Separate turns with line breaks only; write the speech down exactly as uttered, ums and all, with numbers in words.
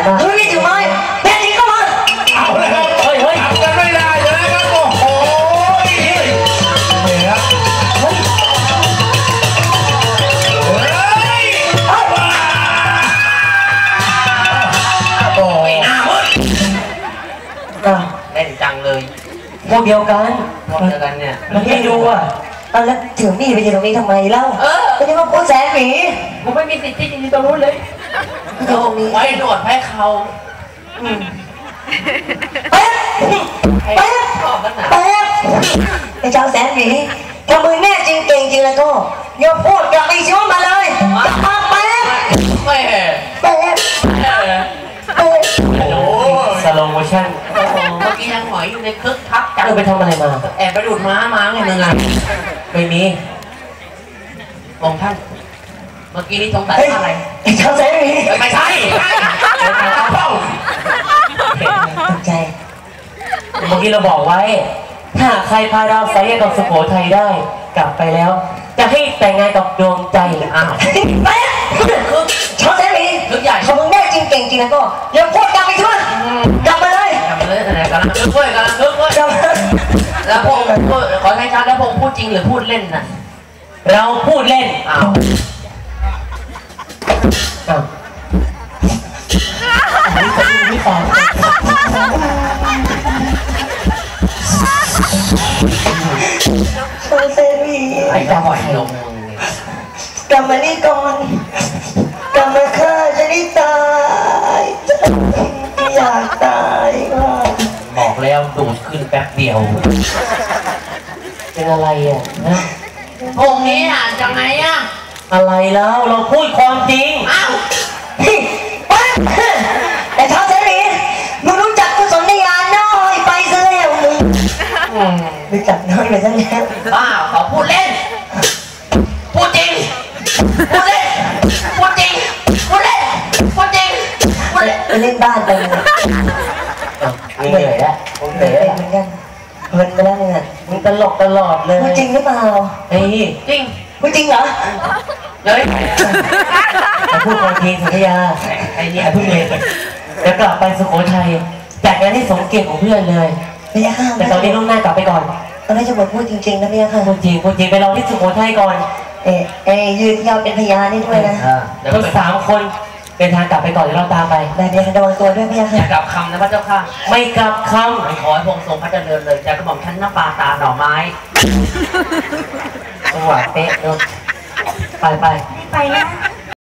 เฮ้ยนี่ถือไม้แน่จริงก็มา
เอาเลยครับเฮ้ยเฮ้ยทำกันไม่ได้เลยครับโอ้โหเนี่ยเฮ้ยเฮ้ยโอ้ยหน้ามึงเล่นจังเลย
พวกเดียวกัน
พวกเดียวกันเนี่ย
มันให้ดูอ่ะเอาแล้วถือมีดไปยืนตรงนี้ทำไมเล่าเออไม่ใช่ว่าพูดแสนหมี
ผมไม่มีสิทธิ์ที่จะยืนตรงนู้นเลยเราไว้หนวดให้เขา
แป๊บแป๊บแป๊บไอ้เจ้าแสนหมีถ้ามึงแน่จริงเก่งจริงแล้วก็อย่าพูดอย่าไปชิวมาเลยมาแป๊บ
ไม่
แป๊บ
โอ้สโลโมชั่นเมื่อกี้ยังหอยอยู่ในคึกคักจัง
ไปทำอะไรมา
แอบไปดูดม้ามาไงมึงอ่ะไม่มีองท่านเมื่อกี้นี้สงสัยอะไร
ไอ้เจ้าแสนหมี
ไม่ใช่
ตกใจ
เมื่อกี้เราบอกไว้ถ้าใครพาเราสายกับสุโขทัยได้กลับไปแล้วจะให้แต่งงานกับดวงใจอ้าว
ไปชาวแสนหมี
ลึกใหญ่
ถ้ามึงแน่จริงเก่งจริงแล้วก็อย่าพูดกลับไปช่วยกลับมาเลย
กลับมาเลยอะไรกันคึกเว้ยกันคึกเว้ยแล้วพวกขอให้ชัดแล้วพวกพูดจริงหรือพูดเล่นน่ะ
เราพูดเล่น
อ้าว
อ้าวนี่ตาย
ชาวแสนหมี
ไอ้จะปล่อยลง
กลับมานี่ก่อนกลับมาฆ่าจะได้ตายอยากตาย
บอกแล้วดูดขึ้นแป๊บเดียว
เป็นอะไรอ่ะนะ
องค์นี้อ่านยังไงอ่ะ
อะไรแล้วเราพูดความจริง
อ้าว
แต่เท้าเสรีมึงรู้จักกุศลญาณน้อยไปซะแล้วมึงรู้จักน้อยไปซะแล้ว
บ้าเขาพูดเล่นพูดจริงพูดเล่นพูดจริงพูดเล่นพูดจริงพูดเล่น
ไปเล่นบ้านไปเลย
เหนื่อยแล้วผมเหนื่อย
เหมือนกันเพลินไปแล้วเนี่ย
มึงตลกตลอดเลย
พูดจริงหรือเปล่า
ไอ้
จริง
พูดจริงเหรอ
เฮ้ย
พูดความจริงสัญญาไอ้นี่พูดเลยจะกลับไปสุโขทัยจากงานที่สมเกียรติของเพื่อนเลย
ไม่ยาก
แต่ตอนนี้ลูกหน้ากลับไปก่อน
ตอนนี้จะบอกพูดจริงๆนะพี่ค่ะ
พูดจริงพูดจริงไปรอที่สุโขทัยก่อน
เอ๊ะเอ๊ะยืนยาวเป็นพยานนี่ด้วยนะ
ทั้งสามคนเป็นทางกลับไปก่อนเดี๋ยวเราตามไป
ได้เดี๋ยวระวังตัวด้วยพี่ค่ะ
อย่ากลับคำนะพระเจ้าค่ะ
ไม่กลับค
ำขอให้พงทรงพระเจริญเลยจะกระหม่อมชั้นน้ำปลาตาหน่อไม้
จังหวะเป๊ะเนาะไปไป
ไปนะ